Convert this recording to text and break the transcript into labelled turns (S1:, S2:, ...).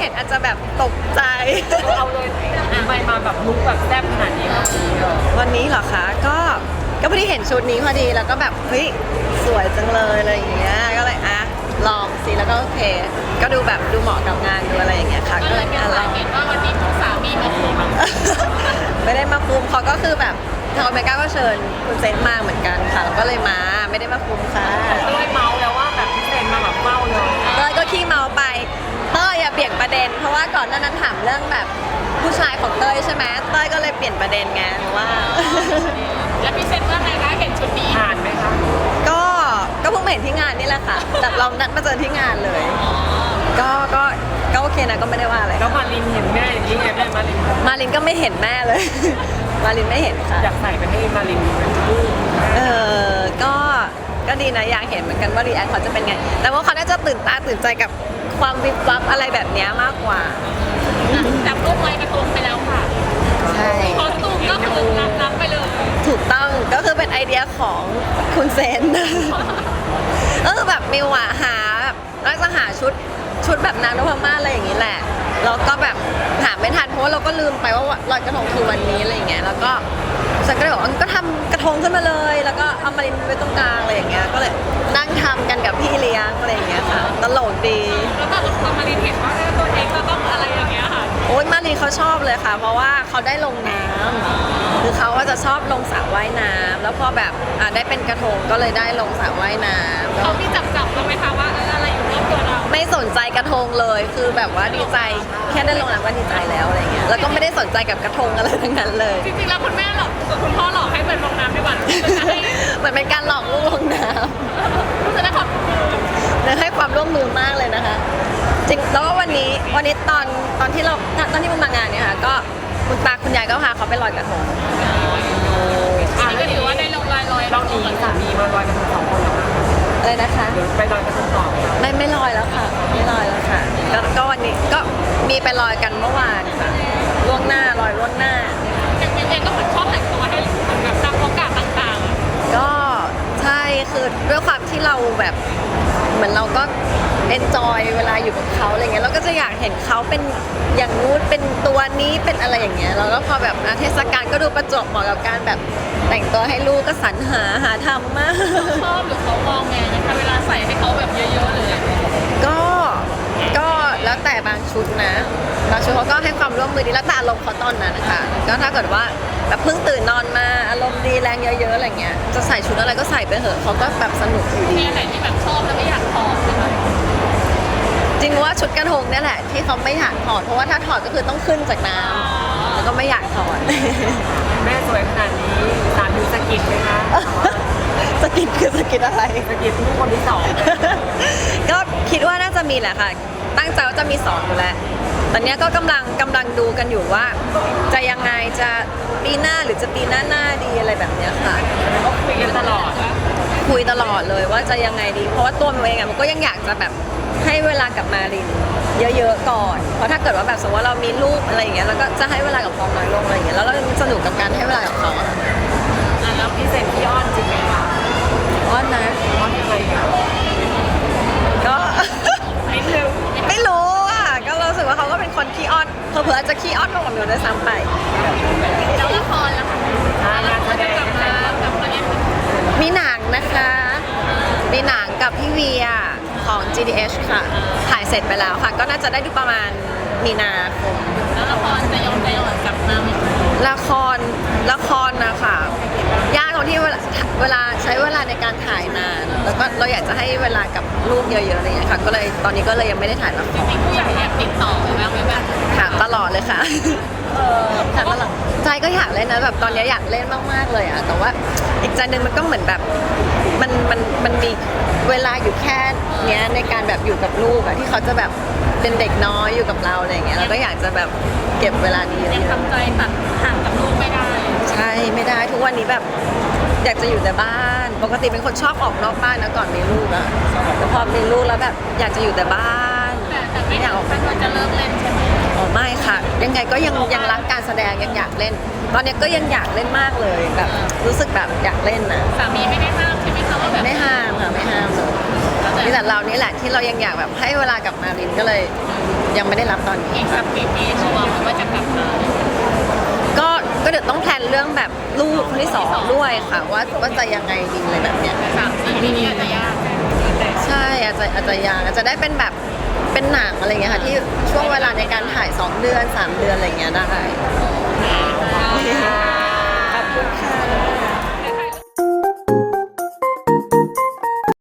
S1: เห็นอาจจะแบบตกใจ
S2: เอาเลยทำไมมาแบบลุกแบบแซ่บขนาดนี้ครับ
S1: วันนี้เหรอคะก็พอดีเห็นชุดนี้พอดีแล้วก็แบบเฮ้ยสวยจังเลยอะไรอย่างเงี้ยก็เลยลองสิแล้วก็โอเค ก็ดูแบบดูเหมาะกับงานดูอะไรอย่างเงี้ยค่ะก็เลยลอง
S3: เห็นว่าวันนี้คุณสามีมาคุม
S1: ไม่ได้มาคุมเขาก็คือแบบทางอเมริกาก็เชิญคุณเซนมาเหมือนกันค่ะแล้วก็เลยมาไม่ได้มาคุมค่ะ
S2: เต้ยเมาแล้วว่าแบบพี่เซนมาแบบเมาเลย
S1: เต้ยก็ขี้เมาไปเต้ยอย่าเปลี่ยนประเด็นเพราะว่าก่อนหน้านั้นถามเรื่องแบบผู้ชายของเต้ยใช่ไหมเต้ยก็เลยเปลี่ยนประเด็นไงว่า
S3: แล้วพี่เซนว่าไงคะเห็นชุดนี้
S2: ผ่านไหมคะ
S1: ก็เพิ่งมาเห็นที่งานนี่แหละค่ะแต่เรานัดมาเจอที่งานเลย ก็โอเคนะก็ไม่ได้ว่าอะไร
S2: แล้วมารินเห็นแม่อย่างนี้ไงแม่มาริน
S1: มารินก็ไม่เห็นแม่เลย มารินไม่เห็นค่ะ
S2: อยากใส่ไปให้มารินดูเป็นลูก
S1: เออก็ดีนะอยากเห็นเหมือนกันว่ารีแอคเขาจะเป็นไง แต่ว่าเขาน่าจะตื่นตาตื่นใจกับความวิบวับอะไรแบบเนี้ยมากกว่า
S3: จับรูปไว้กระทงไปแล้วค่ะ
S1: ใช่
S3: คอสตูมก็คือรับไปเลย
S1: ถูกต้องก็คือเป็นไอเดียของคุณเซน ก็คือแบบมิวอะหาแบบน่าจะหาชุดแบบนางนพมาศอะไรอย่างนี้แหละแล้วก็แบบหาไม่ทันเพราะว่าเราก็ลืมไปว่าลอยกระทงคือวันนี้อะไรอย่างเงี้ยแล้วก็ฉันก็เลยบอกว่าก็ทำกระทงขึ้นมาเลย แล้วก็เอามารินไว้ตรงกลางอะไรอย่างเงี้ยก็เลยนั่งทำกันกับพี่เลี้ยงอะไรอย่างเงี้ยค่ะตลกดี
S3: แล้วก็พอมารีเห็นว่าตัวเองเราต้องอะไรอย่างเงี้ยค่ะ
S1: โอ๊ยมารีเขาชอบเลยค่ะ เพราะว่าเขาได้ลงน้ำคือเขาก็จะชอบลงสระว่ายน้ำแล้วพอแบบได้เป็นกระทงก็เลยได้ลงสระว่ายน้ำ
S3: เขาที่จับเราไหมคะว่าอะไรอยู่รอบตัวเรา
S1: ไม่สนใจกระทงเลยคือแบบว่าดีใจแค่ได้ลงน้ำก็ดีใจแล้วอะไรเงี้ยแล้วก็ไม่ได้สนใจกับกระทงอะไรทั้งนั้นเลย
S3: จริงๆแล้วคุณแม่หลอกคุณพ่อหลอกให้เป็นลงน้ำดีกว่าจะให้
S1: เหมือนเป็นการหลอกลูกลงน้
S3: จะได้ขอบคุณ
S1: ำและให้ความร่วมมือมากเลยนะคะ จริงแล้วก็วันนี้ตอนที่มันมางานเนี่ยค่ะก็คุณตาคุณยายก็พาเขาไปลอยกระทง
S3: อันนี้ก็ถือว่าได้ลงลอย
S2: เราหนีสามีมาลอยกระทงสองคนเหรอคะ
S1: อะไรนะคะ
S2: เดี๋ยวไปลอยกระทงต่อค่ะ
S1: ไม่ลอยแล้วค่ะไม่ลอยแล้วค่ะก็วันนี้ก็มีไปลอยกันเมื่อวานค่ะล่วงหน้าลอยล่วงหน้า
S3: อย่างเองก็เหมือนชอบแต่งตัวให้แบบตามโอกาสต่าง
S1: ก็ใช่คือด้วยความที่เราแบบเหมือนเราก็เอนจอยเวลาอยู่กับเขาอะไรเงี้ยเราก็จะอยากเห็นเขาเป็นอย่างนู้นเป็นตัวนี้เป็นอะไรอย่างเงี้ยเราก็พอแบบเทศกาลก็ดูประจวบเหมาะกับการแบบแต่งตัวให้ลูกก็สรรหาทำมาก
S3: ๆชอบหรือเขามองไงนะคะเวลาใส่ให้เขาแบบเยอะๆเลย
S1: ก็แล้วแต่บางชุดนะบางชุดเขาก็ให้ความร่วมมือดีแล้วแต่อารมณ์เขาตอนนั้นนะคะก็ถ้าเกิดว่าแบบเพิ่งตื่นนอนมาอารมณ์ดีแรงเยอะๆอะไรเงี้ยจะใส่ชุดอะไรก็ใส่ไปเถอะเขาก็แบบสนุกอยู่ดี
S3: มีอะไรที่แบบชอบแล้วไม่อยากถอดใช่ไหม
S1: จริงว่าชุดกระทงเนี่ยแหละที่เขาไม่อยากถอดเพราะว่าถ้าถอดก็คือต้องขึ้นจากน้ำแล้วก็ไม่อยากถอด
S2: แม่สวยขนาดนี้สามีสะกิดไหมคะ
S1: สกิดคือสกิดอะไร
S2: สะกิดลูกคนที่สอง
S1: ก็คิดว่าน่าจะมีแหละค่ะ ตั้งใจว่าจะมีสอนอยู่แล้วตอนเนี้ยก็กำลังดูกันอยู่ว่า จะยังไงจะปีหน้าหรือจะปีหน้าดีอะไรแบบเนี้ยค่ะ
S2: ก็คุยกันตลอด
S1: คุยตลอดเลยว่าจะยังไงดี เพราะว่าตัวมันเองอะมันก็ยังอยากจะแบบให้เวลากับมารินเยอะๆก่อน เพราะถ้าเกิดว่าแบบสมมติว่าเรามีลูกอะไรอย่างเงี้ยแล้วก็จะให้เวลากับเขาน้อยลงอะไรอย่างเงี้ยแล้วเราสนุกกับการให้เวลากับเขาอะ
S2: แล้วพี่เซนพี่อ้อนจริงไหมคะ
S1: อ้อนนะ
S2: อ้อนยังไงคะ
S1: ก็
S2: นิดนึง
S1: ไม่รู้อ่ะก็รู้สึกว่าเขาก็เป็นคนขี้อ้อนเผลอๆอาจจะขี้อ้อนมากกว่ามิวด้วยซ้ำไป
S3: แล้วละครล่ะคะ
S2: งานแสดง
S3: กลับมาเล่น
S1: มีหนังนะคะ มีหนังกับพี่เวียของ GDH ค่ะ ถ่ายเสร็จไปแล้วค่ะ ก็น่าจะได้ดูประมาณมีนาคม
S3: แล้วละครจะย้อนกลับมาไหม
S1: ละครนะคะยากตรงที่เวลาใช้เวลาในการถ่ายนาน แล้วก็เราอยากจะให้เวลากับลูกเยอะๆอะไรอย่างเงี้ยค่ะ ก็เลยตอนนี้ก็เลยยังไม่ได้ถ่ายละค
S3: จ
S1: ร
S3: ริงๆผู้ใหญ่แอบติดต่อไปบ้างไหมแบบ
S1: ถามตลอดเลยค่ะถามตลอดใจก็อยากเล่นนะแบบตอนนี้อยากเล่นมากๆเลยอะแต่ว่าอีกใจหนึ่งมันก็เหมือนแบบมันมีเวลาอยู่แค่เนี้ยในการแบบอยู่กับลูกอะที่เขาจะแบบเป็นเด็กน้อยอยู่กับเราอะไรอย่างเงี้ยเราก็อยากจะแบบเก็บเวลานี้เย
S3: ยัง
S1: อะ
S3: ทำใจตัดห่างกับลูกไม่ได้
S1: ๆใช่ไม่ได้ทุกวันนี้แบบอยากจะอยู่แต่บ้าน ปกติเป็นคนชอบออกนอกบ้านนะก่อนมีลูกอะแต่พอมีลูกแล้วแบบอยากจะอยู่แต่บ้าน
S3: แต่ไม่อยากออกไปมันจะเลิกเล่นใช่ไหม
S1: อ๋อไม่ค่ะ ยังไงก็ยังรักการแสดงยังอยากเล่น ตอนนี้ก็ยังอยากเล่นมากเลยแบบรู้สึกแบบอยากเล่นนะ
S3: สามีไม่ได้ห้ามใช่ไหมคะว่าแบบ
S1: ไม่ห้ามค่ะไม่ห้ามเลยนี่แต่เรานี่แหละที่เรายังอยากแบบให้เวลากับมารินก็เลยยังไม่ได้รับตอนนี้
S3: อีกสักปีนี้ชัวร์ว่าจะกลับมา
S1: ก็เดี๋ยวต้องแพลนเรื่องแบบลูกคนที่สองด้วยค่ะว่าจะยังไงดีอะไรแบบเนี้ย
S3: 3 ปีนี้อาจจะยาก
S1: ใช่อาจจะยังอาจจะได้เป็นแบบเป็นหนังอะไรเงี้ยค่ะที่ช่วงเวลาในการถ่าย2 เดือน 3 เดือนอะไรเงี้ยได้
S3: ค่ะ
S1: ขอบคุณค่ะ